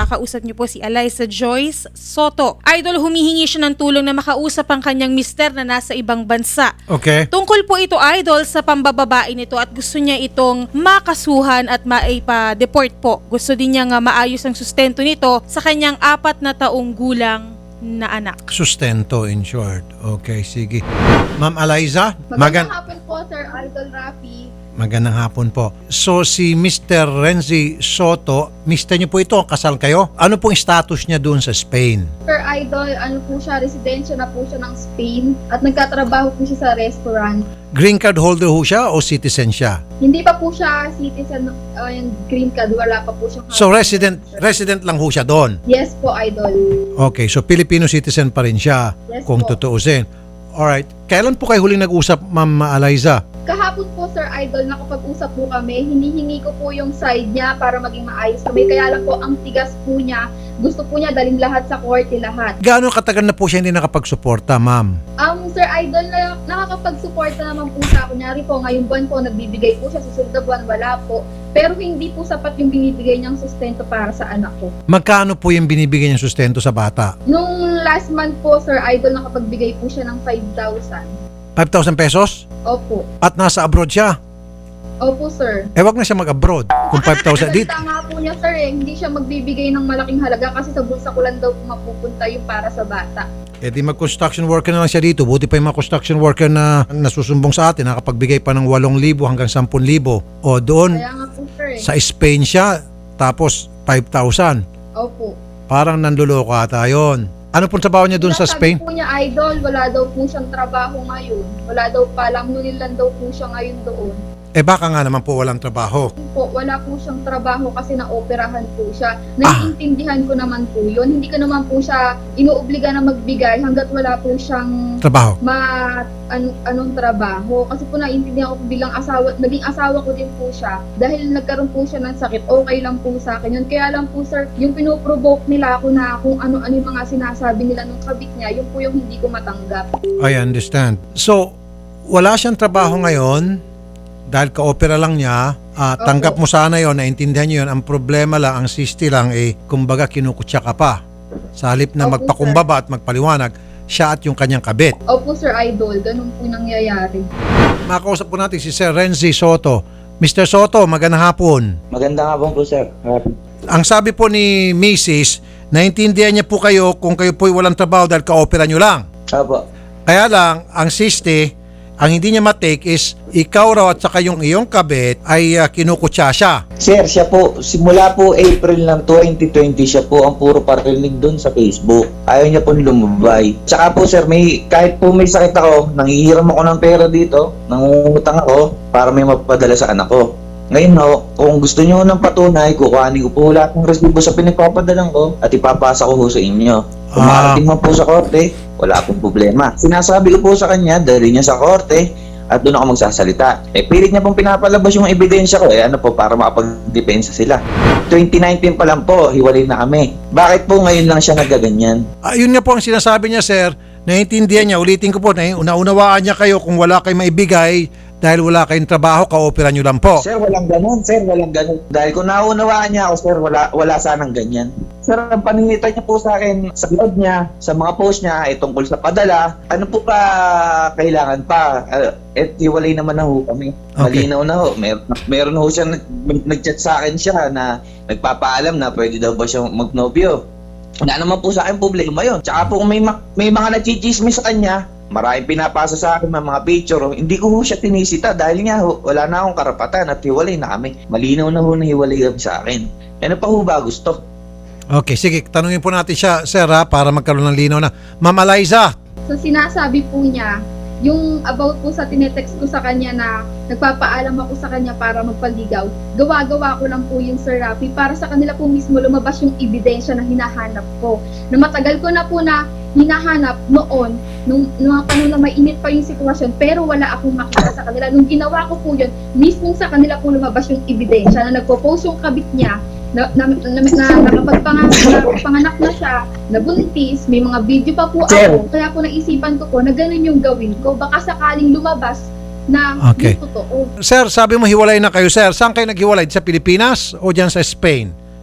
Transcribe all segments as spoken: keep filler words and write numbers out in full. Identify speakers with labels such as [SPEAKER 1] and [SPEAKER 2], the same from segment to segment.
[SPEAKER 1] makakausap niyo po si Eliza Joyce Soto. Idol, humihingi siya ng tulong na makausap ang kanyang mister na nasa ibang bansa.
[SPEAKER 2] Okay.
[SPEAKER 1] Tungkol po ito, Idol, sa pambababae nito at gusto niya itong makasuhan at maipa-deport po. Gusto din niya nga maayos ang sustento nito sa kanyang apat na taong gulang na anak.
[SPEAKER 2] Sustento in short. Okay, sige. Ma'am Eliza,
[SPEAKER 3] Magandang
[SPEAKER 2] magan
[SPEAKER 3] hapon po, Sir Idol Rafi.
[SPEAKER 2] magandang hapon po. So si mister Renzi Soto, mister niyo po ito, kasal kayo? Ano pong status niya doon sa Spain?
[SPEAKER 3] Sir Idol, ano po siya, residensya na po siya ng Spain at nagkatrabaho po siya sa restaurant.
[SPEAKER 2] Green card holder ho siya o citizen siya?
[SPEAKER 3] Hindi pa po siya citizen, uh, yung green card, wala pa po siya.
[SPEAKER 2] So resident resident lang ho siya doon?
[SPEAKER 3] Yes po, Idol.
[SPEAKER 2] Okay, so Filipino citizen pa rin siya
[SPEAKER 3] Yes
[SPEAKER 2] kung
[SPEAKER 3] po.
[SPEAKER 2] tutuusin. Alright, kailan po kayo huling nag-usap, Ma'am Eliza?
[SPEAKER 3] Kahapon po, Sir Idol, nakapag-usap po kami. Hinihingi ko po yung side niya para maging maayos kami. Kaya lang po, ang tigas po niya. Gusto po niya dalhin lahat sa korte, lahat.
[SPEAKER 2] Gaano katagal na po siya hindi nakapagsuporta, Ma'am?
[SPEAKER 3] Um, Sir Idol, na, nakakapag-suporta naman po sa kunyari po, ngayong buwan po, nagbibigay po siya, susunod na buwan, wala po. Pero hindi po sapat yung binibigay niyang sustento para sa anak ko.
[SPEAKER 2] Magkano po yung binibigyan niyang sustento sa bata?
[SPEAKER 3] Nung last month po, Sir Idol, nakapagbigay po siya ng five thousand.
[SPEAKER 2] five thousand pesos?
[SPEAKER 3] Opo.
[SPEAKER 2] At nasa abroad siya?
[SPEAKER 3] Opo, sir.
[SPEAKER 2] Eh, wag na siya mag-abroad kung five thousand. Dit,
[SPEAKER 3] Salita nga po niya, sir, eh. Hindi siya magbibigay ng malaking halaga kasi sa bulsa ko lang daw po mapupunta yung para sa bata.
[SPEAKER 2] eh di mag-construction worker na lang siya dito. Buti pa yung mga construction worker na nasusumbong sa atin, nakapagbigay pa ng eight thousand hanggang ten thousand. O doon,
[SPEAKER 3] Kaya nga po, sir, eh.
[SPEAKER 2] sa Spain siya, tapos five thousand.
[SPEAKER 3] Opo.
[SPEAKER 2] Parang nanluloko ata yun. Ano pong trabaho niya doon sa Spain?
[SPEAKER 3] Sabi po niya, Idol, wala daw po siyang trabaho ngayon. Wala daw pa, lamunin lang daw po siya ngayon doon.
[SPEAKER 2] Eh baka nga naman po walang trabaho.
[SPEAKER 3] Po, wala po siyang trabaho kasi naoperahan po siya. Naiintindihan ko naman po yun. Hindi ko naman po siya inuobliga na magbigay hanggat wala po siyang
[SPEAKER 2] Trabaho.
[SPEAKER 3] ma an, anong trabaho. Kasi po naiintindihan ko po bilang asawa, naging asawa ko din po siya. Dahil nagkaroon po siya ng sakit, okay lang po sa akin yun. Kaya lang po, sir, yung pinoprovoke nila ako na kung ano-ano yung mga sinasabi nila nung kabit niya, yun po yung hindi ko matanggap.
[SPEAKER 2] I understand. So, wala siyang trabaho ngayon dahil ka-opera lang niya. Ah, tanggap mo sana yon, naintindihan niyo yun. Ang problema lang, ang sisti lang, eh, kumbaga kinukutya ka pa. Sa halip na
[SPEAKER 3] Opo,
[SPEAKER 2] magpakumbaba at magpaliwanag, siya at yung kanyang kabit.
[SPEAKER 3] Opo, Sir Idol, ganun po nangyayari.
[SPEAKER 2] Makausap po natin si Sir Renzi Soto. mister Soto, magandang hapon.
[SPEAKER 4] Magandang hapon po, sir.
[SPEAKER 2] Ang sabi po ni Missus, naintindihan niya po kayo kung kayo po'y walang trabaho dahil ka-opera niyo lang.
[SPEAKER 4] Opo.
[SPEAKER 2] Kaya lang, ang sisti, ang hindi niya matake is ikaw raw at saka yung iyong kabit ay uh, kinukutya siya.
[SPEAKER 4] Sir, siya po, simula po April ng twenty twenty, siya po ang puro parinig doon sa Facebook. Ayaw niya po lumabay. Tsaka po, sir, may, kahit po may sakit ako, nangihiram ako ng pera dito, nangungutang ako para may mapadala sa anak ko. Ngayon ho, kung gusto niyo ng patunay, kukuhanin ko po lahat ng resibo sa pinagpapadalan ko at ipapasa ko ho sa inyo. Kung
[SPEAKER 2] Ah.
[SPEAKER 4] makarating man po sa korte, wala akong problema. Sinasabi ko po sa kanya, dali niya sa korte at doon ako magsasalita. Eh, pilit niya pong pinapalabas yung ebidensya ko. Eh, ano po, para makapagdepensa sila. twenty nineteen pa lang po, hiwalay na kami. Bakit po ngayon lang siya nagaganyan?
[SPEAKER 2] Ayun nga po ang sinasabi niya, sir. Naiintindihan niya, ulitin ko po, naunawaan niya kayo kung wala kayong maibigay dahil wala kayong trabaho, ka-opera niyo lang po.
[SPEAKER 4] Sir, walang ganun. Sir, walang ganun. Dahil kung naunawaan niya ako, sir, wala, wala sanang ganyan. Sir, ang paninita niya po sa akin, sa blog niya, sa mga post niya, ay tungkol sa padala, ano po pa kailangan pa? Uh, et hiwalay naman na ho kami.
[SPEAKER 2] Okay.
[SPEAKER 4] Malinaw na ho. Mer meron ho siya, nag nag-chat sa akin siya na nagpapaalam na pwede daw ba siya magnobyo. Wala naman po sa akin problema yun. Tsaka po kung may, ma may mga nachichismis sa kanya, maraming pinapasa sa akin mga picture, oh, hindi ko ho siya tinisita dahil nga ho, wala na akong karapatan at hiwalay na kami. Malinaw na ho na hiwalay kami sa akin. Ano pa ho ba gusto?
[SPEAKER 2] Okay, sige, tanungin po natin siya, sir, ha, para magkaroon ng linaw na. Ma'am Eliza,
[SPEAKER 3] So sinasabi po niya, yung about po sa tinetext ko sa kanya na nagpapaalam ako sa kanya para magpaligaw, gawa-gawa ko lang po yung Sir Rafi para sa kanila po mismo lumabas yung ebidensya na hinahanap ko. Na matagal ko na po na hinahanap noon, nung, nung mga panahon na may init pa yung sitwasyon, pero wala akong makita sa kanila. Nung ginawa ko po yun, mismo sa kanila po lumabas yung ebidensya na nagpo-post yung kabit niya, na, na, na, na nakapagpanganak na siya, nabuntis, may mga video pa po
[SPEAKER 4] Sir.
[SPEAKER 3] ako. Kaya po naisipan ko po na ganun yung gawin ko. Baka sakaling lumabas na
[SPEAKER 2] Okay.
[SPEAKER 3] yung totoo.
[SPEAKER 2] sir, sabi mo hiwalay na kayo, sir. Saan kayo naghiwalay? Sa Pilipinas o dyan sa Spain?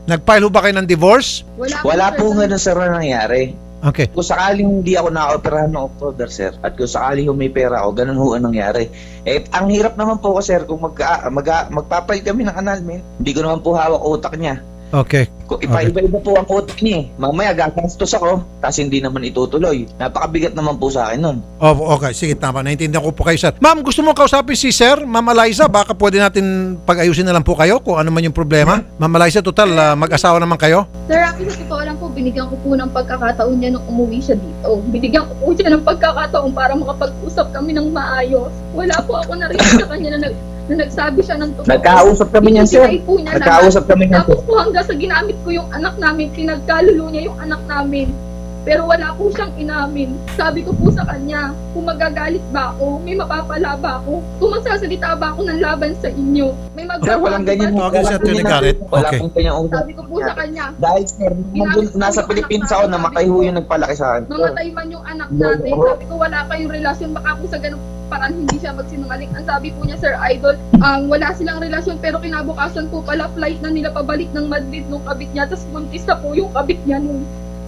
[SPEAKER 2] Nag-file ho ba kayo ng divorce?
[SPEAKER 3] Wala,
[SPEAKER 4] Wala
[SPEAKER 3] sir,
[SPEAKER 4] po
[SPEAKER 3] sa-
[SPEAKER 4] ganun sir na nangyari.
[SPEAKER 2] Okay.
[SPEAKER 4] Kung sakaling hindi ako na-operahan ng October, sir, at kung sakaling may pera ako, ganun ho ang nangyari. Eh, ang hirap naman po ko, sir, kung mag, mag, magpapalit kami ng annulment, hindi ko naman po hawak utak niya.
[SPEAKER 2] Okay.
[SPEAKER 4] Kung ipa-iba-iba po ang utak niya eh. Mamaya gagastos ako, kasi hindi naman itutuloy. Napakabigat naman po sa akin nun.
[SPEAKER 2] Oh, okay, sige, tama. Naintindihan ko po kayo, sir. Ma'am, gusto mo kausapin si Sir, Ma'am Eliza? Baka pwede natin pag-ayusin na lang po kayo kung ano man yung problema. Ma'am Eliza, total, ah, mag-asawa naman kayo?
[SPEAKER 3] Sir Rafi, sa totoo lang po, binigyan ko po ng pagkakataon niya nung umuwi siya dito. Binigyan ko po siya ng pagkakataon para makapag-usap kami ng maayos. Wala po ako narinig sa kanya na, nag, na nagsabi siya ng totoo.
[SPEAKER 4] Nagkausap kami niyan, sir.
[SPEAKER 3] Ibinigay po niya
[SPEAKER 4] Nagkausap kami niyan, sir.
[SPEAKER 3] Tapos po hanggang sa ginamit ko yung anak namin, pinagkalulo niya yung anak namin. Pero wala po siyang inamin. Sabi ko po sa kanya, kung magagalit ba ako, may mapapala ba ako, kung magsasalita ba ako ng laban sa inyo, may
[SPEAKER 4] Sir,
[SPEAKER 3] magagawa
[SPEAKER 4] walang
[SPEAKER 3] ba?
[SPEAKER 4] ganyan.
[SPEAKER 2] Okay,
[SPEAKER 4] Walang
[SPEAKER 2] sir,
[SPEAKER 4] ganyan
[SPEAKER 2] tinigarit.
[SPEAKER 4] na- Wala
[SPEAKER 2] Okay.
[SPEAKER 4] pong kanyang utak.
[SPEAKER 3] Sabi ko po sa kanya,
[SPEAKER 4] Dahil sir, nandun, nasa Pilipinas ako, namatay ho yung nagpalaki sa akin.
[SPEAKER 3] mamatay man yung anak natin. Sabi ko, wala kayong relasyon, baka po sa ganung parang hindi siya magsinungaling. Ang sabi po niya, Sir Idol, um, wala silang relasyon, pero kinabukasan po pala flight na nila pabalik ng Madrid nung kabit niya, tapos buntis na po yung kabit niya nung.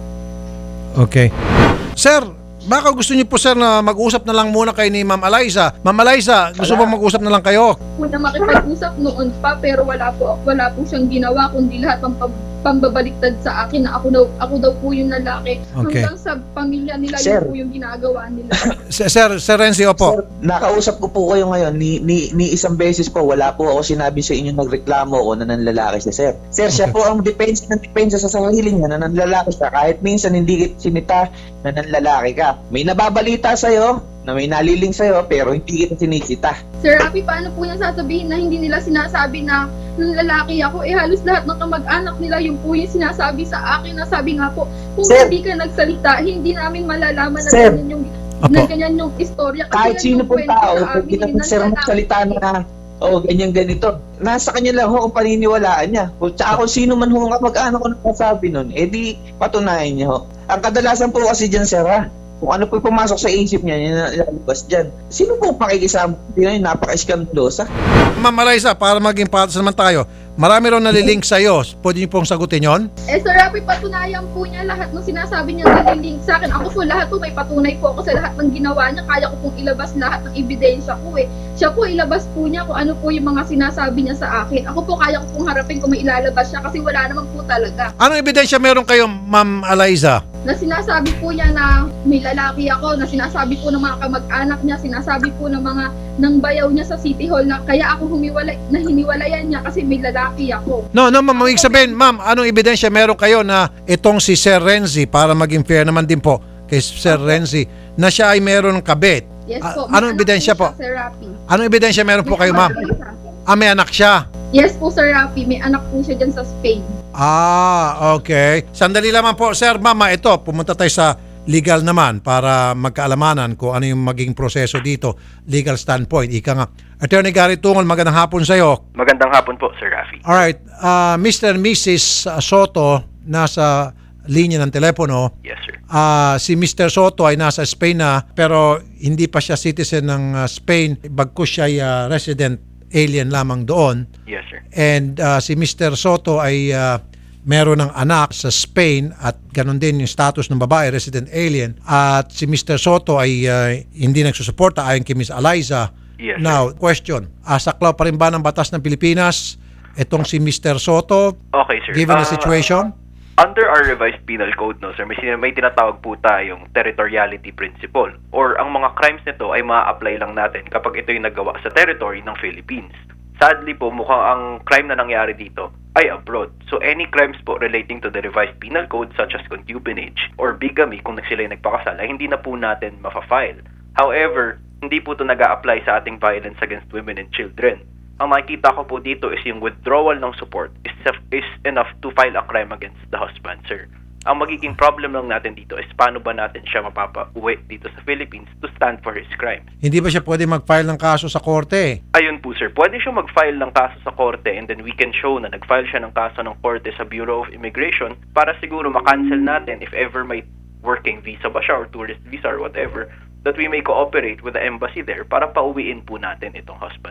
[SPEAKER 2] Okay. Sir, baka gusto niyo po, sir, na mag-usap na lang muna kayo ni Ma'am Eliza. Ma'am Eliza, gusto
[SPEAKER 4] Wala.
[SPEAKER 2] ba mag-usap na lang kayo?
[SPEAKER 3] Po na makipag-usap noon pa, pero wala po, wala po siyang ginawa, kundi lahat ng pam- pambabaliktad sa akin na ako daw, ako daw po yung lalaki.
[SPEAKER 2] Okay.
[SPEAKER 3] Hanggang sa pamilya nila,
[SPEAKER 4] Sir.
[SPEAKER 3] yun po yung ginagawa nila.
[SPEAKER 2] Sir, Sir, Sir Renzi, opo.
[SPEAKER 4] Sir, nakausap ko po kayo ngayon, ni, ni, ni isang beses po, wala po ako sinabi sa inyo nagreklamo o na nanlalaki siya, sir. Sir, siya
[SPEAKER 2] Okay.
[SPEAKER 4] po ang depensa ng depensa sa sarili niya na nanlalaki siya. Kahit minsan hindi kita sinita na nanlalaki ka. May nababalita sa'yo, na may naliling sa'yo, pero hindi kita sinisita.
[SPEAKER 3] Sir Rafi, paano po niya sasabihin na hindi nila sinasabi na nung lalaki ako, eh halos lahat ng kamag-anak nila yung po yung sinasabi sa akin na sabi nga po, kung
[SPEAKER 4] Sir.
[SPEAKER 3] hindi ka nagsalita, hindi namin malalaman na
[SPEAKER 4] Sir.
[SPEAKER 3] ganyan yung,
[SPEAKER 2] Opo.
[SPEAKER 3] na ganyan yung istorya. Kasi
[SPEAKER 4] Kahit
[SPEAKER 3] yan
[SPEAKER 4] sino
[SPEAKER 3] yung
[SPEAKER 4] pong
[SPEAKER 3] kwento
[SPEAKER 4] tao,
[SPEAKER 3] sa
[SPEAKER 4] pag
[SPEAKER 3] amin,
[SPEAKER 4] ginapit sir
[SPEAKER 3] ng
[SPEAKER 4] magsalita
[SPEAKER 3] lalaki.
[SPEAKER 4] na, oh, ganyan ganito. Nasa kanya lang ho kung paniniwalaan niya. Kung tsaka kung sino man ho ang kamag-anak ko nagsasabi nun, eh di patunayan niya ho. Ang kadalasan po kasi dyan, sir, ha? Kung ano po pumasok sa isip niya, yun ang ilalabas dyan. Sino po pakikisama? Hindi na yun, napaka-skandalosa.
[SPEAKER 2] Ma'am Eliza, para maging patas naman tayo, marami raw nalilink sa'yo. Pwede niyo pong sagutin yon?
[SPEAKER 3] Eh Sir Rafi, patunayan po niya lahat ng sinasabi niya nalilink sa akin. Ako po lahat po, may patunay po ako sa lahat ng ginawa niya. Kaya ko pong ilabas lahat ng ebidensya ko eh. Siya po ilabas po niya kung ano po yung mga sinasabi niya sa akin. Ako po kaya ko pong harapin kung may ilalabas siya kasi wala naman po talaga.
[SPEAKER 2] Anong ebidensya meron kayo, Ma'am Eliza?
[SPEAKER 3] Na sinasabi po niya na may lalaki ako, na sinasabi po ng mga kamag-anak niya, sinasabi po ng mga ng bayaw niya sa City Hall na kaya ako humiwalay, na hiniwalayan niya kasi may lalaki ako.
[SPEAKER 2] No, no, ma'am. Ibig sabihin, ma'am, anong ebidensya meron kayo na itong si Sir Renzi, para maging fair naman din po kay Sir Renzi, na siya ay meron ng kabit?
[SPEAKER 3] Yes
[SPEAKER 2] Ah,
[SPEAKER 3] po.
[SPEAKER 2] anong
[SPEAKER 3] may anak
[SPEAKER 2] ebidensya
[SPEAKER 3] po?
[SPEAKER 2] po?
[SPEAKER 3] siya, Sir Rafi.
[SPEAKER 2] Anong ebidensya meron po
[SPEAKER 3] May
[SPEAKER 2] kayo,
[SPEAKER 3] anak
[SPEAKER 2] ma'am?
[SPEAKER 3] po siya.
[SPEAKER 2] Ah, may anak siya.
[SPEAKER 3] Yes po, Sir Rafi. May anak po siya dyan sa Spain.
[SPEAKER 2] Ah, okay. Sandali lamang po, Sir. Mama, ito, pumunta tayo sa legal naman para magkaalamanan kung ano yung maging proseso dito. Legal standpoint. Ika nga. Attorney Gary Tungol, magandang hapon sa iyo.
[SPEAKER 5] Magandang hapon po, Sir Rafi.
[SPEAKER 2] Alright, uh, Mister and Missus Soto nasa linya ng telepono.
[SPEAKER 5] Yes, sir.
[SPEAKER 2] Ah, si Mister Soto ay nasa Spain na pero hindi pa siya citizen ng ah, Spain. Bagkus siya ay ah, resident alien lamang doon.
[SPEAKER 5] Yes, sir.
[SPEAKER 2] And ah, si Mister Soto ay ah, meron ng anak sa Spain at ganun din yung status ng babae, resident alien. At si Mister Soto ay ah, hindi nagsusuporta ayon kay Miss Eliza.
[SPEAKER 5] Yes,
[SPEAKER 2] Now, question. Ah, saklaw pa rin ba ng batas ng Pilipinas itong si Mister Soto
[SPEAKER 5] Okay, sir.
[SPEAKER 2] given the
[SPEAKER 5] Ah,
[SPEAKER 2] situation?
[SPEAKER 5] Under our revised penal code, no, sir, may, sin- may tinatawag po tayong territoriality principle or ang mga crimes nito ay ma-apply lang natin kapag ito yung nagawa sa territory ng Philippines. Sadly po, mukhang ang crime na nangyari dito ay abroad. So any crimes po relating to the revised penal code such as concubinage or bigamy kung sila yung nagpakasal ay hindi na po natin ma-file. However, hindi po ito nag-a-apply sa ating violence against women and children. Ang makikita ko po dito is yung withdrawal ng support is, is enough to file a crime against the husband, sir. Ang magiging problem lang natin dito is paano ba natin siya mapapa-uwi dito sa Philippines to stand for his crimes.
[SPEAKER 2] Hindi ba siya pwede mag-file ng kaso sa korte?
[SPEAKER 5] Ayun po, sir. Pwede siya mag-file ng kaso sa korte and then we can show na nag-file siya ng kaso ng korte sa Bureau of Immigration para siguro makancel natin if ever may working visa ba siya or tourist visa or whatever, that we may cooperate with the embassy there para pauwiin po natin itong husband niya.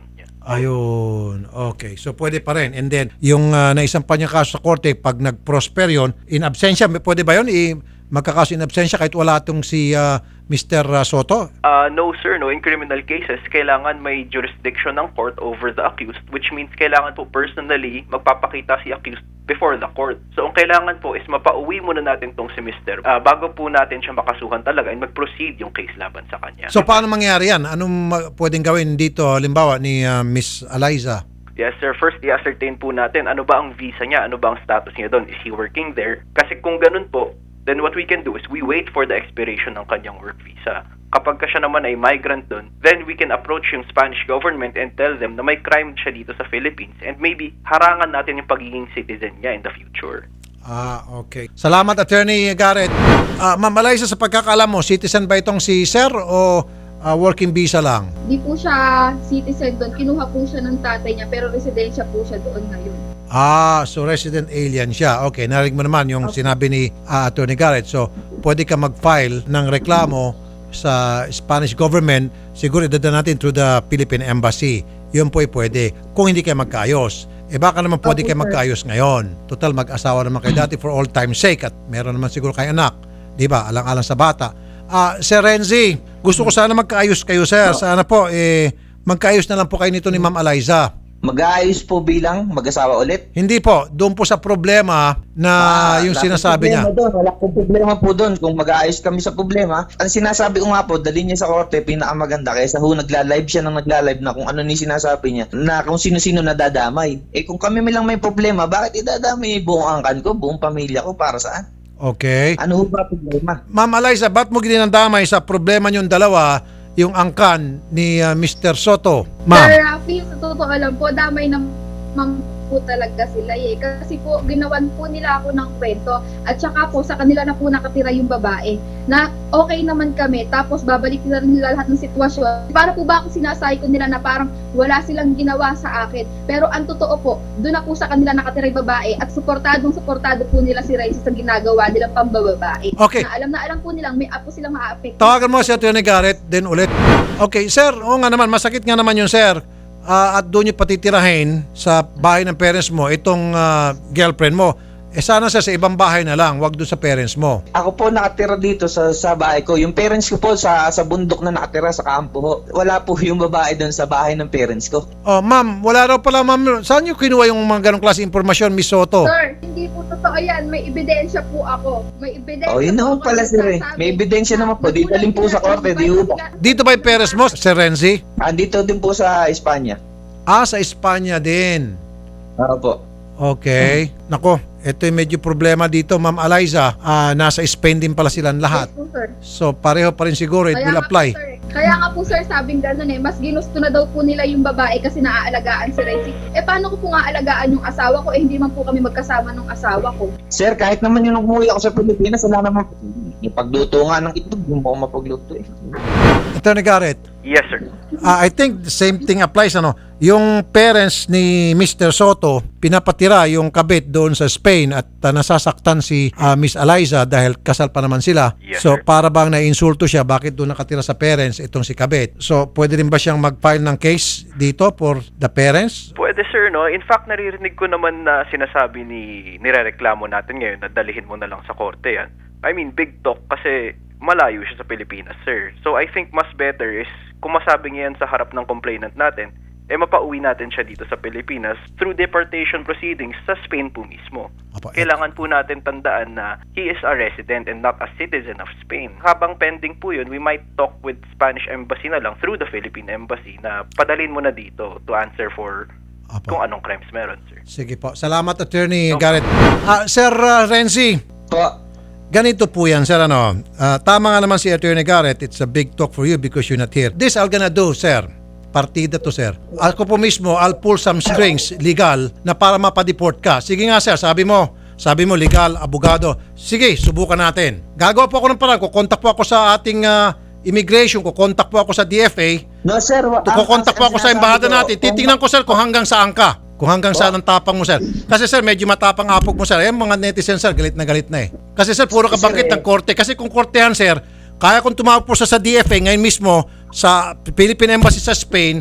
[SPEAKER 2] Ayun. Okay. So pwede pa rin. And then, yung uh, naisampan niya kaso sa korte, pag nag-prosper yun, in absentia, pwede ba yun? I- magkakaso in absentia kahit wala itong si uh, Mister Soto?
[SPEAKER 5] Uh, no sir, no. In criminal cases, kailangan may jurisdiction ng court over the accused, which means kailangan po personally magpapakita si accused before the court. So ang kailangan po is mapauwi muna natin tong si Mister Uh, bago po natin siya makasuhan talaga and mag-proceed yung case laban sa kanya.
[SPEAKER 2] So paano mangyari yan? Anong ma- pwedeng gawin dito, halimbawa, ni uh, Miss Eliza?
[SPEAKER 5] Yes sir, first i-ascertain po natin ano ba ang visa niya, ano ba ang status niya doon, is he working there? Kasi kung ganun po, then what we can do is we wait for the expiration ng kanyang work visa. Kapag ka siya naman ay migrant doon, then we can approach yung Spanish government and tell them na may crime siya dito sa Philippines and maybe harangan natin yung pagiging citizen niya in the future.
[SPEAKER 2] Ah, okay. Salamat, Attorney Garrett. Ah, Ma'am Eliza, sa pagkakaalam mo, citizen ba itong si Sir o ah, working visa lang?
[SPEAKER 3] Di po siya citizen doon. Kinuha po siya ng tatay niya pero residensya po siya doon ngayon.
[SPEAKER 2] Ah, so resident alien siya. Okay, narinig mo naman yung
[SPEAKER 3] Okay.
[SPEAKER 2] sinabi ni ah, Attorney Garrett. So, pwede ka mag-file ng reklamo sa Spanish government. Siguro idadaan natin through the Philippine Embassy. Yun po ay pwede. Kung hindi kayo magkaayos. Eh baka naman pwede
[SPEAKER 3] Okay,
[SPEAKER 2] kayo
[SPEAKER 3] sir.
[SPEAKER 2] magkaayos ngayon. Total, mag-asawa naman kayo dati for all time's sake. At meron naman siguro kayo anak. Di ba? Alang-alang sa bata. Ah, Sir Renzi, gusto ko sana magkaayos kayo, sir. Sana po, eh, magkaayos na lang po kayo nito ni Ma'am Eliza.
[SPEAKER 4] Mag-aayos po bilang mag-asawa ulit.
[SPEAKER 2] Hindi po, doon po sa problema na
[SPEAKER 4] Ah,
[SPEAKER 2] yung
[SPEAKER 4] wala
[SPEAKER 2] sinasabi
[SPEAKER 4] pong
[SPEAKER 2] niya.
[SPEAKER 4] problema doon. Wala pong problema po doon kung mag-aayos kami sa problema. Ang sinasabi ko nga po, dali niya sa korte, pinakamaganda kaysa ho nagla-live siya ng nagla-live na kung ano ni sinasabi niya, na kung sino-sino nadadamay. Eh kung kami lang may problema, bakit idadamay buong angkan ko, buong pamilya ko, para saan?
[SPEAKER 2] Okay.
[SPEAKER 4] Ano ho ba problema?
[SPEAKER 2] Ma'am Eliza, ba't mo ginandamay sa problema niyong dalawa yung angkan ni uh, Mister Soto?
[SPEAKER 3] Sir
[SPEAKER 2] Ma'am.
[SPEAKER 3] Rafi, sa totoo lang po, damay naman po talaga sila eh. Kasi po, ginawan po nila ako ng kwento at saka po sa kanila na po nakatira yung babae na okay naman kami tapos babalik na rin nila lahat ng sitwasyon. Para po ba ako sinasay ko nila na parang wala silang ginawa sa akin. Pero ang totoo po, doon na po sa kanila nakatira yung babae at suportadong suportado po nila si Raiza sa ginagawa nilang pambababae.
[SPEAKER 2] Okay.
[SPEAKER 3] Na alam na alam po nilang may apo silang maaapekto.
[SPEAKER 2] Tawagan mo si Atty. Garrett, then ulit. Okay, sir, oo nga naman, masakit nga naman yun, sir. Ah, at doon yung patitirahin sa bahay ng parents mo, itong ah, girlfriend mo. Eh sana sir, sa ibang bahay na lang, wag doon sa parents mo.
[SPEAKER 4] Ako po nakatira dito sa sa bahay ko. Yung parents ko po sa sa bundok na nakatira sa kampo ho. Wala po yung babae doon sa bahay ng parents ko.
[SPEAKER 2] Oh, ma'am, wala raw pala, ma'am. Saan niyo kinuha yung mga ganong klase impormasyon, Miss Soto?
[SPEAKER 3] Sir, hindi po totoo yan. May ebidensya po ako. May ebidensya
[SPEAKER 4] Oh, yun
[SPEAKER 3] po
[SPEAKER 4] naman
[SPEAKER 3] ako
[SPEAKER 4] pala
[SPEAKER 3] na
[SPEAKER 4] sir eh.
[SPEAKER 3] nagsasabi
[SPEAKER 4] May ebidensya
[SPEAKER 3] na
[SPEAKER 4] naman po. Di dalhin po sa korte. Di ho ba?
[SPEAKER 2] Dito ba yung parents mo, Sir Renzi?
[SPEAKER 4] Andito din po sa Espanya.
[SPEAKER 2] Ah, sa Espanya din.
[SPEAKER 4] Oo po.
[SPEAKER 2] Okay. Nako, ito yung medyo problema dito, Ma'am Eliza. Ah, nasa Spain din pala silang lahat.
[SPEAKER 3] Yes po, sir.
[SPEAKER 2] So, pareho pa rin siguro. It
[SPEAKER 3] Kaya
[SPEAKER 2] will
[SPEAKER 3] nga
[SPEAKER 2] apply.
[SPEAKER 3] Po, sir, kaya nga po sir, sabing gano'n eh, mas ginusto na daw po nila yung babae kasi naaalagaan si Renzi. Eh paano ko po nga alagaan yung asawa ko? Eh hindi man po kami magkasama ng asawa ko.
[SPEAKER 4] Sir, kahit naman yung umuwi ako sa Pilipinas, wala naman po. Yung pagluto nga ng itlog, yung mo mapagluto eh.
[SPEAKER 2] Attorney Garrett,
[SPEAKER 5] Yes sir.
[SPEAKER 2] ah, I think the same thing applies. Ano? Yung parents ni Mister Soto, pinapatira yung kabit doon sa Spain at ah, nasasaktan si ah, Miss Eliza dahil kasal pa naman sila.
[SPEAKER 5] Yes,
[SPEAKER 2] So,
[SPEAKER 5] sir.
[SPEAKER 2] para bang naiinsulto siya, bakit doon nakatira sa parents itong si kabit? So, pwede rin ba siyang mag-file ng case dito for the parents?
[SPEAKER 5] Pwede sir, no? In fact, naririnig ko naman na sinasabi ni nirereklamo natin ngayon na dalihin mo na lang sa korte yan. I mean, big talk kasi malayo siya sa Pilipinas, sir. So I think mas better is kung masabi niya yan sa harap ng complainant natin, eh mapauwi natin siya dito sa Pilipinas through deportation proceedings sa Spain po mismo.
[SPEAKER 2] Apo,
[SPEAKER 5] Kailangan po natin tandaan na he is a resident and not a citizen of Spain. Habang pending po yun, we might talk with Spanish Embassy na lang through the Philippine Embassy na padalin mo na dito to answer for
[SPEAKER 2] Apo.
[SPEAKER 5] kung anong crimes meron, sir.
[SPEAKER 2] Sige po. Salamat, Attorney Garrett. Ah, Sir ah, Renzi,
[SPEAKER 4] Po,
[SPEAKER 2] ganito po yan, sir. Ano? Ah, tama nga naman si Attorney Garrett. It's a big talk for you because you're not here. This I'm gonna do, sir. Partida to, sir. Ako po mismo, I'll pull some strings legal na para mapadeport ka. Sige nga, sir. Sabi mo, sabi mo legal, abogado. Sige, subukan natin. Gagawa po ako ng parang. Kukontak po ako sa ating ah, immigration. Kukontak po ako sa D F A.
[SPEAKER 4] no sir. wa- ang-
[SPEAKER 2] Kukontak po
[SPEAKER 4] ang
[SPEAKER 2] ako sa
[SPEAKER 4] sinasabi
[SPEAKER 2] embahada
[SPEAKER 4] ko,
[SPEAKER 2] natin.
[SPEAKER 4] kung-
[SPEAKER 2] Titingnan ko, sir, kung hanggang saan ka. Kung hanggang saan ang tapang mo, sir. Kasi, sir, medyo matapang apog mo, sir. Eh, mga netizens, sir, galit na galit na eh. Kasi, sir, puro kabangkit
[SPEAKER 4] Sir, eh.
[SPEAKER 2] ng korte. Kasi kung kortehan, sir, kaya kung tumawag po siya sa D F A ngayon mismo sa Philippine Embassy sa Spain,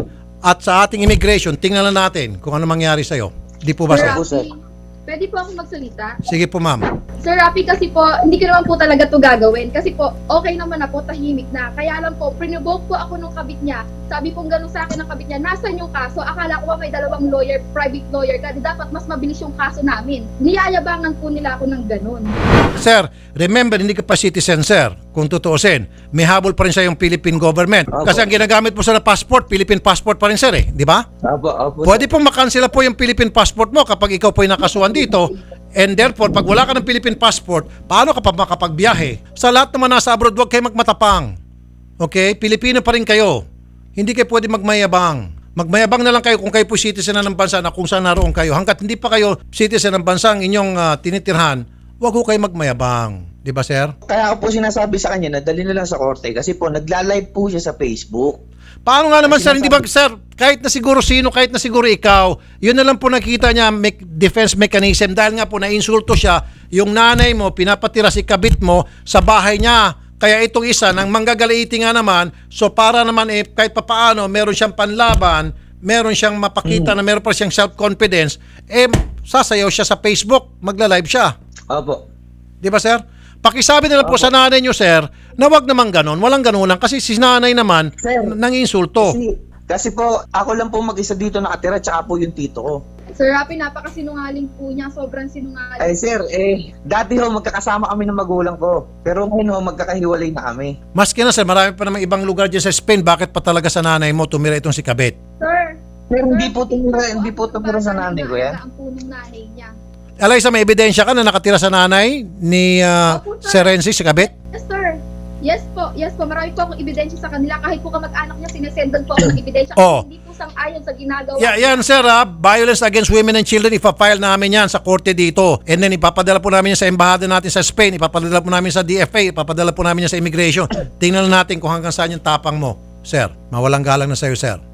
[SPEAKER 2] At sa ating immigration, tingnan lang natin kung ano mangyari sa'yo. Di po ba,
[SPEAKER 3] Sir
[SPEAKER 2] sir?
[SPEAKER 4] Opo, sir.
[SPEAKER 3] Rafi, pwede po ako magsalita?
[SPEAKER 2] Sige po, ma'am.
[SPEAKER 3] Sir Rafi, kasi po, hindi ko naman po talaga to gagawin. Kasi po, okay naman ako, tahimik na. Kaya lang po, prinubok po ako nung kabit niya. Sabi po gano'n sa akin ng kabit niya, nasan yung kaso? Akala ko ba may dalawang lawyer, private lawyer ka, di dapat mas mabilis yung kaso namin. Niyayabangan po nila ako ng gano'n.
[SPEAKER 2] Sir, remember, hindi ka pa citizen, sir. Kung tutuusin, may habol pa rin sa yung Philippine government.
[SPEAKER 4] Opo.
[SPEAKER 2] Kasi ang ginagamit mo sa passport, Philippine passport pa rin, sir, eh. Di ba?
[SPEAKER 4] Opo, opo.
[SPEAKER 2] Pwede pong makansela po yung Philippine passport mo kapag ikaw po ay nakasuhan dito. And therefore, pag wala ka ng Philippine passport, paano ka pa makapagbiyahe? Sa lahat naman nasa abroad, huwag kayo magmatapang. Okay? Pilipino pa rin kayo. Hindi kayo pwede magmayabang. Magmayabang na lang kayo kung kayo po citizen na ng bansa na kung saan naroon kayo. Hanggat hindi pa kayo citizen ng bansa ang inyong uh, tinitirhan, huwag ko kayo magmayabang. Di ba, sir?
[SPEAKER 4] Kaya ako po sinasabi sa kanya na dali na lang sa korte kasi po nagla-live po siya sa Facebook.
[SPEAKER 2] Paano nga naman,
[SPEAKER 4] Kasi
[SPEAKER 2] sir? Hindi ba,
[SPEAKER 4] nasabi-
[SPEAKER 2] sir, kahit na siguro sino, kahit na siguro ikaw, yun na lang po nakita niya me- defense mechanism dahil nga po na-insulto siya, yung nanay mo, pinapatira si kabit mo sa bahay niya. Kaya itong isa, nang manggagalaiti nga naman, so para naman eh, kahit papaano, meron siyang panlaban, meron siyang mapakita na meron pa siyang self-confidence, eh, sasayaw siya sa Facebook, magla-live siya.
[SPEAKER 4] Opo.
[SPEAKER 2] Di ba, sir? Pakisabi na lang po sa nanay niyo, sir, na wag naman ganon. Walang ganon lang. Kasi si nanay naman,
[SPEAKER 4] Sir,
[SPEAKER 2] nanginsulto.
[SPEAKER 4] Kasi, kasi po, ako lang po mag-isa dito nakatira tsaka po yung tito ko.
[SPEAKER 3] Sir Rafi, napakasinungaling po niya. Sobrang sinungaling.
[SPEAKER 4] Ay sir, eh, dati ho magkakasama kami ng magulang ko. Pero ngayon ho, magkakahiwalay na kami.
[SPEAKER 2] Maski na, sir, marami pa namang ibang lugar dyan sa Spain. Bakit pa talaga sa nanay mo tumira itong si Kabit?
[SPEAKER 3] Sir,
[SPEAKER 4] Pero hindi po tumira, hindi po tumira sa nanay ko yan.
[SPEAKER 3] Ang punong nanay niya.
[SPEAKER 2] Eliza, may ebidensya ka na nakatira sa nanay ni uh,
[SPEAKER 3] Opo, sir.
[SPEAKER 2] Sir Renzi, si Kabit?
[SPEAKER 3] Yes, sir. Yes po, yes po. Marami po akong ebidensya sa kanila. Kahit po kamag-anak niya, sinesendan po ako ng ebidensya.
[SPEAKER 2] Oh.
[SPEAKER 3] Hindi po sang-ayon sa ginagawa.
[SPEAKER 2] Yeah, yan, sir, ha? Violence against women and children, ipafile namin yan sa korte dito. And then ipapadala po namin yan sa embahada natin sa Spain, ipapadala po namin sa D F A, ipapadala po namin yan sa immigration. Tingnan lang natin kung hanggang saan yung tapang mo, sir. Mawalang galang na sa'yo, sir.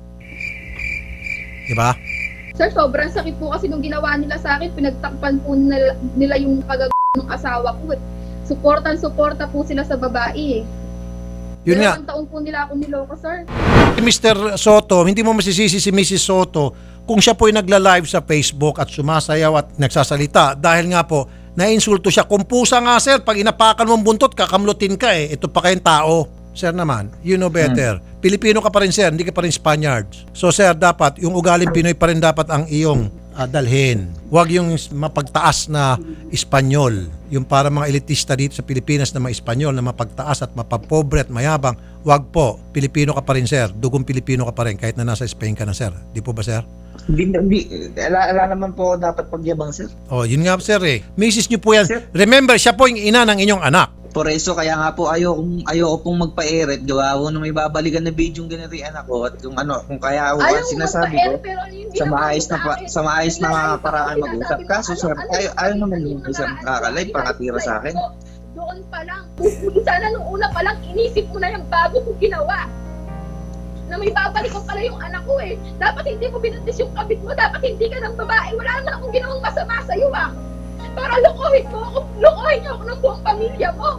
[SPEAKER 2] Diba?
[SPEAKER 3] Sir, sobrang sakit po kasi nung ginawa nila sa akin, pinagtakpan po nila, nila yung kagag ng asawa ko. eh. Suportan-suporta po sila sa babae eh.
[SPEAKER 2] Yun nga.
[SPEAKER 3] Dalawang taon po nila ako niloko, sir.
[SPEAKER 2] Mister Soto, hindi mo masisisi si Missus Soto kung siya po ay nagla-live sa Facebook at sumasayaw at nagsasalita dahil nga po nainsulto siya. Kung pusa nga, sir, pag inapakan mong buntot, kakamlutin ka eh. Ito pa kayong tao. Sir naman, you know better. Hmm. Pilipino ka pa rin, sir, hindi ka pa rin Spaniards. So sir, dapat yung ugaling Pinoy pa rin dapat ang iyong uh, dalhin. Huwag yung mapagtaas na Espanyol. Yung para mga elitista dito sa Pilipinas na mga Espanyol na mapagtaas at mapapobre at mayabang. Huwag po. Pilipino ka pa rin, sir. Dugong Pilipino ka pa rin kahit na nasa Spain ka na, sir. Di po ba, sir?
[SPEAKER 4] Hindi, hindi, ala, ala naman po ako dapat pagyabang sir.
[SPEAKER 2] Oh, yun nga, sir eh. Misis niyo po yan.
[SPEAKER 4] Sir.
[SPEAKER 2] Remember, siya po yung ina ng inyong anak.
[SPEAKER 4] Por eso, kaya nga po ayoko, ayoko pong magpa-eret. Gawa ko na may babalikan na video yung ganito yung anak ko. At kung ano, kung kaya ako
[SPEAKER 3] Ayaw
[SPEAKER 4] ang
[SPEAKER 3] mo
[SPEAKER 4] sinasabi
[SPEAKER 3] magpa-air,
[SPEAKER 4] ko,
[SPEAKER 3] pero yung
[SPEAKER 4] sa
[SPEAKER 3] ginawa
[SPEAKER 4] maayos
[SPEAKER 3] mo
[SPEAKER 4] na
[SPEAKER 3] sa
[SPEAKER 4] pa,
[SPEAKER 3] akin,
[SPEAKER 4] sa maayos na
[SPEAKER 3] nagla-live
[SPEAKER 4] paraan
[SPEAKER 3] ako,
[SPEAKER 4] mag-usap.
[SPEAKER 3] sinasabi mo,
[SPEAKER 4] Kaso sir,
[SPEAKER 3] ano,
[SPEAKER 4] ayaw,
[SPEAKER 3] ano,
[SPEAKER 4] ayaw naman
[SPEAKER 3] ano,
[SPEAKER 4] yung
[SPEAKER 3] ano,
[SPEAKER 4] isang
[SPEAKER 3] ano,
[SPEAKER 4] kakalive,
[SPEAKER 3] ano,
[SPEAKER 4] pakatira sa akin.
[SPEAKER 3] do- Doon pa lang. Sana nung una pa lang, inisip mo na yung bago ko ginawa. Na may babalik ko pala yung anak ko eh. Dapat hindi mo binuntis yung kabit mo. Dapat hindi ka ng babae. Wala naman akong ginawang masama sa'yo ah. Para lokohin mo ako. Lokohin niyo ako ng buong pamilya mo.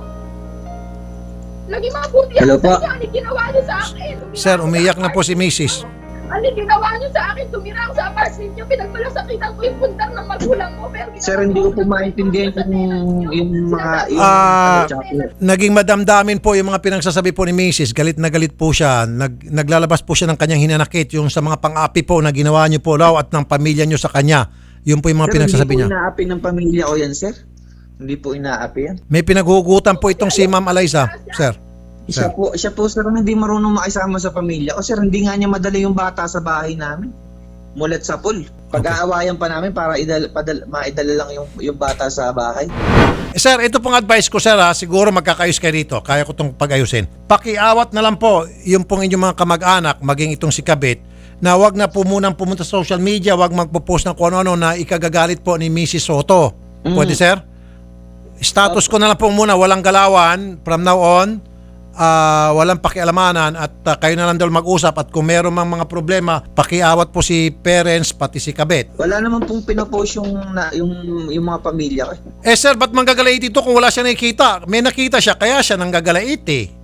[SPEAKER 3] Lagi mabuti
[SPEAKER 4] Hello
[SPEAKER 3] ako
[SPEAKER 4] po.
[SPEAKER 3] sa inyo. Ano ginawa niyo sa akin? Tumira
[SPEAKER 2] Sir,
[SPEAKER 3] ako sa
[SPEAKER 2] umiyak na po si
[SPEAKER 3] apartment
[SPEAKER 2] Missus
[SPEAKER 3] niyo. Ano ginawa niyo sa akin? Tumira ako sa apartment niyo. Pinagmalasakitan ko yung pundang ng magulang mo. Pero
[SPEAKER 4] Sir, hindi ko po maintindihan yung, yung mga, yung,
[SPEAKER 2] Ah,
[SPEAKER 4] ano, tsaka po-
[SPEAKER 2] Naging madamdamin po yung mga pinagsasabi po ni Missus Galit na galit po siya. Nag, naglalabas po siya ng kanyang hinanakit yung sa mga pang-api po na ginawa niyo po raw at ng pamilya niyo sa kanya. Yun po yung mga
[SPEAKER 4] Sir,
[SPEAKER 2] pinagsasabi
[SPEAKER 4] hindi
[SPEAKER 2] niya.
[SPEAKER 4] po inaapi ng pamilya ko yan, sir. Hindi po inaapi yan.
[SPEAKER 2] May pinaghugutan po itong si Ma'am Eliza, sir.
[SPEAKER 4] Siya
[SPEAKER 2] Sir.
[SPEAKER 4] po, siya po sir, hindi marunong makisama sa pamilya ko. Sir, hindi nga niya madala yung bata sa bahay namin. Mulat sa pool. Pag-aawayan pa namin para idal, padal, maidala lang yung, yung bata sa bahay.
[SPEAKER 2] Eh, sir, ito pong advice ko, sir, ha? Siguro magkakayos kayo dito. Kaya ko itong pag-ayusin. Pakiawat na lang po yung pong inyong mga kamag-anak, maging itong si Kabit, na wag na po munang pumunta sa social media, wag magpo-post ng kung ano-ano na ikagagalit po ni Missus Soto. Pwede, sir? Status ko na lang po muna, walang galawan from now on. Ah, walang pakialamanan at ah, kayo na lang daw mag-usap at kung meron mang mga problema, pakiawat po si parents pati si Kabit.
[SPEAKER 4] Wala naman pong pinopost yung, na, yung, yung mga pamilya ko.
[SPEAKER 2] Eh sir, ba't manggagalait ito kung wala siya nakikita? May nakita siya, kaya siya nanggagalait eh.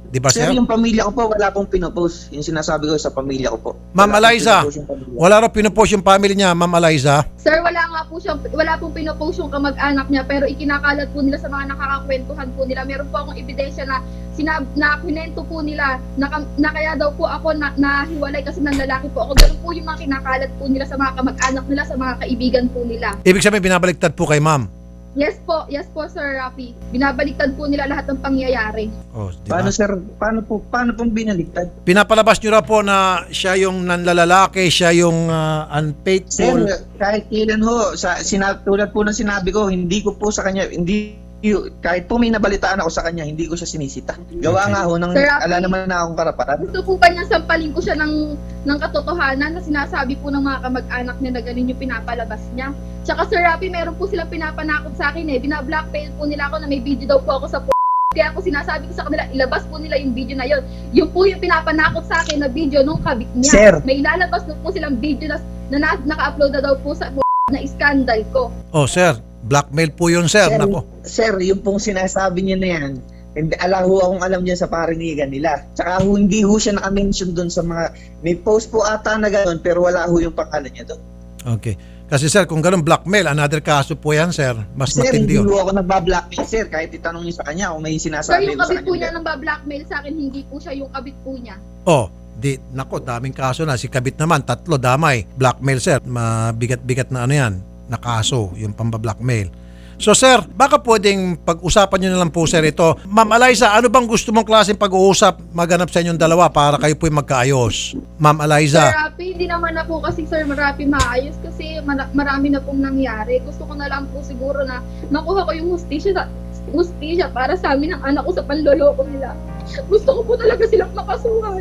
[SPEAKER 2] Di ba,
[SPEAKER 4] Sir,
[SPEAKER 2] sir?
[SPEAKER 4] yung pamilya ko po, wala pong pinopost. Yung sinasabi ko sa pamilya ko po.
[SPEAKER 2] Ma'am
[SPEAKER 4] Wala pong
[SPEAKER 2] Eliza,
[SPEAKER 4] pinopost yung pamilya.
[SPEAKER 2] wala raw pinupost yung family niya, Ma'am Eliza.
[SPEAKER 3] Sir, wala nga po siya, wala pong pinopost yung kamag-anak niya, pero ikinakalat po nila sa mga nakakakwentuhan po nila. Meron po akong ebidensya na sinab na kwento po nila na, kam- na kaya daw po ako na nahiwalay kasi ng lalaki po ako. Ganun po yung mga kinakalat po nila sa mga kamag-anak nila, sa mga kaibigan po nila.
[SPEAKER 2] Ibig sabihin, binabaliktad po kay ma'am.
[SPEAKER 3] Yes po, yes po Sir Rafi. Binabaliktad po nila lahat ng pangyayari.
[SPEAKER 2] Oh, di ba?
[SPEAKER 4] Paano sir, paano po, paano pong binaliktad?
[SPEAKER 2] Pinapalabas nyo raw po na siya yung nanlalalaki, siya yung ah,
[SPEAKER 4] Sir,
[SPEAKER 2] unfaithful.
[SPEAKER 4] kahit kailan ho, sa, sina, tulad po ng sinabi ko, hindi ko po sa kanya, hindi, kahit po may nabalitaan ako sa kanya, hindi ko siya sinisita. Gawa
[SPEAKER 2] Okay.
[SPEAKER 4] nga ho, ng,
[SPEAKER 3] Sir Rafi,
[SPEAKER 4] ala naman na akong karapatan.
[SPEAKER 3] Gusto po ba niyang sampalin ko siya ng, ng katotohanan na sinasabi po ng mga kamag-anak niya na ganun yung pinapalabas niya? Tsaka Sir Rafi, meron po silang pinapanakot sa akin eh. Bina-blackmail po nila ako na may video daw po ako sa p***. Kaya ako sinasabi ko sa kanila, ilabas po nila yung video na yon. Yung po yung pinapanakot sa akin na video nung kabit niya.
[SPEAKER 4] Sir.
[SPEAKER 3] May ilalabas na po silang video na, na, na naka-upload na daw po sa p*** na scandal ko.
[SPEAKER 2] Oh, sir, blackmail po yun, sir.
[SPEAKER 4] Sir,
[SPEAKER 2] Nako.
[SPEAKER 4] sir, yung pong sinasabi niya na yan, hindi, ala ho akong alam niya sa parinigan nila. Tsaka ho, hindi ho siya naka-mention doon sa mga, may post po ata na gano'n, pero wala ho yung pangalan niya doon.
[SPEAKER 2] Okay. Kasi sir, kung ganun blackmail, another kaso po yan, sir. Mas
[SPEAKER 4] Sir,
[SPEAKER 2] matindi
[SPEAKER 4] hindi
[SPEAKER 2] yun.
[SPEAKER 4] ho ako nagbablackmail, sir. Kahit itanong niyo sa kanya kung may
[SPEAKER 3] Sir,
[SPEAKER 4] sinasabi
[SPEAKER 3] yung
[SPEAKER 4] ko sa
[SPEAKER 3] kabit po niya
[SPEAKER 4] kanya.
[SPEAKER 3] nang ba-blackmail sa akin, hindi po siya yung kabit po niya.
[SPEAKER 2] Oh, di, nako, daming kaso na. Si Kabit naman, tatlo, damay. Blackmail, sir. Mabigat-bigat na ano yan, na kaso, yung pamba-blackmail. So sir, baka pwedeng pag-usapan nyo na lang po sir ito. Ma'am Eliza, ano bang gusto mong klaseng pag-uusap maganap sa inyong dalawa para kayo po'y magkaayos? Ma'am
[SPEAKER 3] Sir
[SPEAKER 2] Eliza.
[SPEAKER 3] Rafi, hindi naman na po kasi Sir Rafi maayos kasi mara- marami na pong nangyari. Gusto ko na lang po siguro na makuha ko yung hustisya, hustisya para sa amin ng anak ko sa panloloko nila. Gusto ko po talaga silang makasuhan.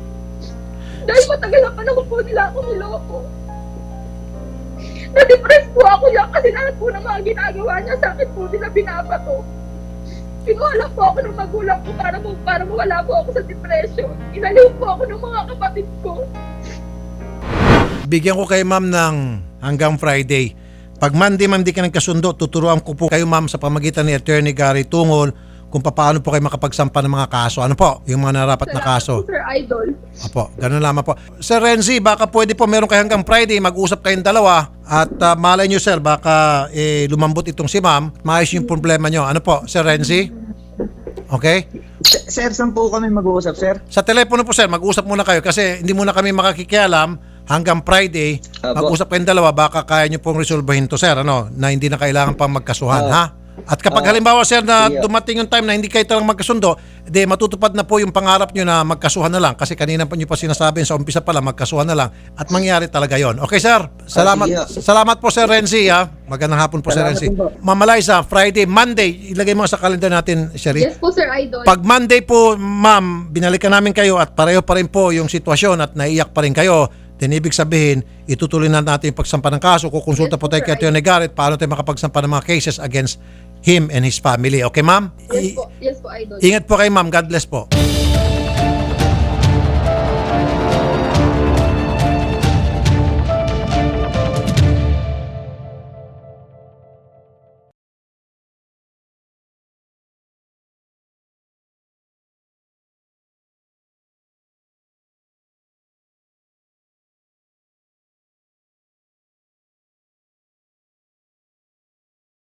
[SPEAKER 3] Dahil matagal na panahon po nila ako niloko. Na-depress po ako yan kasi lahat po ng mga ginagawa niya sa akin po nila binabato. Kinuha lang po ako ng magulang ko para, mo, para mawala po ako sa depression. Inaliw po ako ng mga kapatid ko.
[SPEAKER 2] Bigyan ko kay ma'am ng hanggang Friday. Pag Monday, ma'am, di ka nagkasundo, tuturuan ko po kayo, ma'am, sa pamagitan ni Attorney Gary Tungol kung paano po kayo makapagsampa ng mga kaso. Ano po? Yung mga narapat na kaso.
[SPEAKER 3] Salamat po, Sir Idol.
[SPEAKER 2] Apo, ganun lamang po. Sir Renzi, baka pwede po meron kayo hanggang Friday, mag-usap kayong dalawa at uh, malay nyo sir, baka eh, lumambot itong si ma'am, maayos yung problema nyo. Ano po, Sir Renzi? Okay?
[SPEAKER 4] Sir, saan po kami mag-uusap, sir?
[SPEAKER 2] Sa telepono po sir, mag-usap muna kayo kasi hindi muna kami makakikialam hanggang Friday.
[SPEAKER 4] Apo.
[SPEAKER 2] Mag-usap kayong dalawa, baka kaya nyo pong resolbahin to sir, ano, na hindi na kailangan pang magkasuhan,
[SPEAKER 4] Oo.
[SPEAKER 2] ha? At kapag
[SPEAKER 4] Oo.
[SPEAKER 2] halimbawa sir na
[SPEAKER 4] Yeah.
[SPEAKER 2] dumating yung time na hindi kayo talang magkasundo, de matutupad na po yung pangarap nyo na magkasuhan na lang kasi kanina pa nyo pa sinasabi sa umpisa pa lang magkasuhan na lang at mangyari talaga yon. Okay sir, salamat
[SPEAKER 4] Ah, sige.
[SPEAKER 2] salamat po Sir Renzi ha. Magandang hapon po Sir
[SPEAKER 4] Salamat
[SPEAKER 2] Renzi.
[SPEAKER 4] din po.
[SPEAKER 2] Ma'am Eliza, Friday, Monday, ilagay mo sa calendar natin, Sherry.
[SPEAKER 3] Yes po, Sir Idol.
[SPEAKER 2] Pag Monday po, ma'am, binalikan namin kayo at pareho pa rin po yung sitwasyon at naiyak pa rin kayo, then ibig sabihin, itutuloy na natin yung pagsampa ng kaso. Kukonsulta
[SPEAKER 3] Yes,
[SPEAKER 2] po tayo
[SPEAKER 3] sir.
[SPEAKER 2] kay Atty. Garrett paano tayo makapagsampa ng mga cases against him and his family. Okay, ma'am?
[SPEAKER 3] Yes
[SPEAKER 2] I-
[SPEAKER 3] po, yes po, Idol.
[SPEAKER 2] ingat po kayo, ma'am. God bless po.